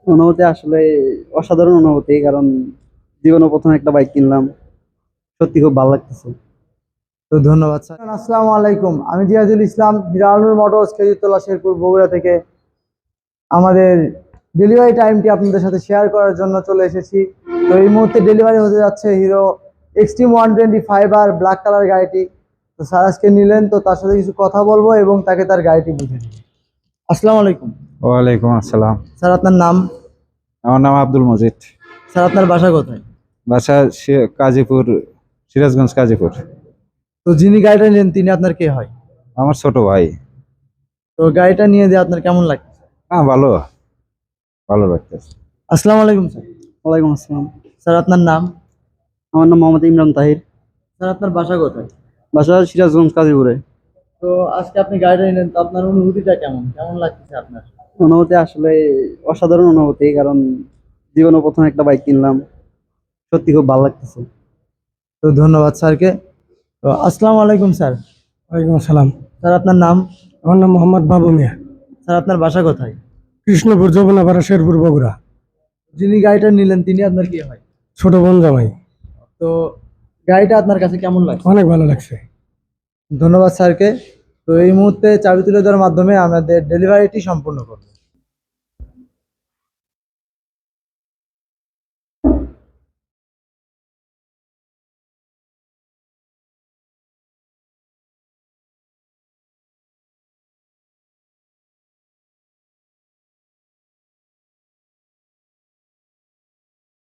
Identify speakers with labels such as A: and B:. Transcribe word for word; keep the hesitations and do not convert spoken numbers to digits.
A: অনুভূতি আসলে অসাধারণ অনুভূতি। কারণ জীবনে প্রথম একটা বাইক কিনলাম, সত্যি খুব ভালো লাগতেছে।
B: তো ধন্যবাদ স্যার। আসসালামু আলাইকুম, আমি জিয়াদুল ইসলাম, হিরানুর মোটরস, খেজুরতলা, শেরপুর, বগুড়া থেকে আমাদের ডেলিভারি টাইমটি আপনাদের সাথে শেয়ার করার জন্য চলে এসেছি। তো এই মুহূর্তে ডেলিভারি হতে যাচ্ছে Hero Xtreme one twenty five আর ব্ল্যাক কালার গাড়িটি। তো স্যার আজকে নিলেন, তো তার সাথে কিছু কথা বলবো এবং তাকে তার গাড়িটি বুঝে দিব। আসসালামু আলাইকুম
C: ওয়ালাইকুম আসসালাম।
B: স্যার, আপনার নাম?
C: আমার নাম আব্দুল মজিদ।
B: স্যার, আপনার বাসা কোথায়?
C: বাসা সি- কাজীপুর, সিরাজগঞ্জ কাজীপুর।
B: তো যিনি গাড়িটা নিলেন তিনি আপনার কে হয়?
C: আমার ছোট ভাই।
B: তো গাড়িটা নিয়ে দিয়ে আপনার কেমন লাগছে?
C: হ্যাঁ, ভালো ভালো লাগতেছে।
B: আসসালামু আলাইকুম স্যার।
A: ওয়ালাইকুম আসসালাম।
B: স্যার, আপনার নাম?
A: আমার নাম মোহাম্মদ ইমরান তাহির।
B: স্যার, আপনার বাসা কোথায়?
A: বাসা সিরাজগঞ্জ কাজীপুরে।
B: তো আজকে আপনি গাড়িটা নিলেন, তো আপনার অনুভূতিটা কেমন কেমন লাগছে আপনার?
A: অনুভূতি আসলে অসাধারণ অনুভূতি। কারণ জীবনে প্রথম একটা বাইক কিনলাম, সত্যি খুব ভালো লাগতেছে।
B: তো ধন্যবাদ স্যারকে। তো আসসালামু আলাইকুম স্যার।
D: ওয়ালাইকুম আসসালাম।
B: স্যার, আপনার নাম?
D: আমার নাম মোহাম্মদ বাবু মিয়া।
B: স্যার, আপনার বাসা কোথায়?
D: কৃষ্ণপুর, যমুনাপাড়া, শেরপুর, বগুড়া।
B: যিনি গাড়িটা নিলেন তিনি আপনার কি হয়?
D: ছোট বোন জামাই।
B: তো গাড়িটা আপনার কাছে কেমন লাগছে?
D: অনেক ভালো লাগছে।
B: ধন্যবাদ স্যারকে। তো এই মুহূর্তে চাবি তুলে দেওয়ার মাধ্যমে আমাদের ডেলিভারিটি সম্পূর্ণ করব।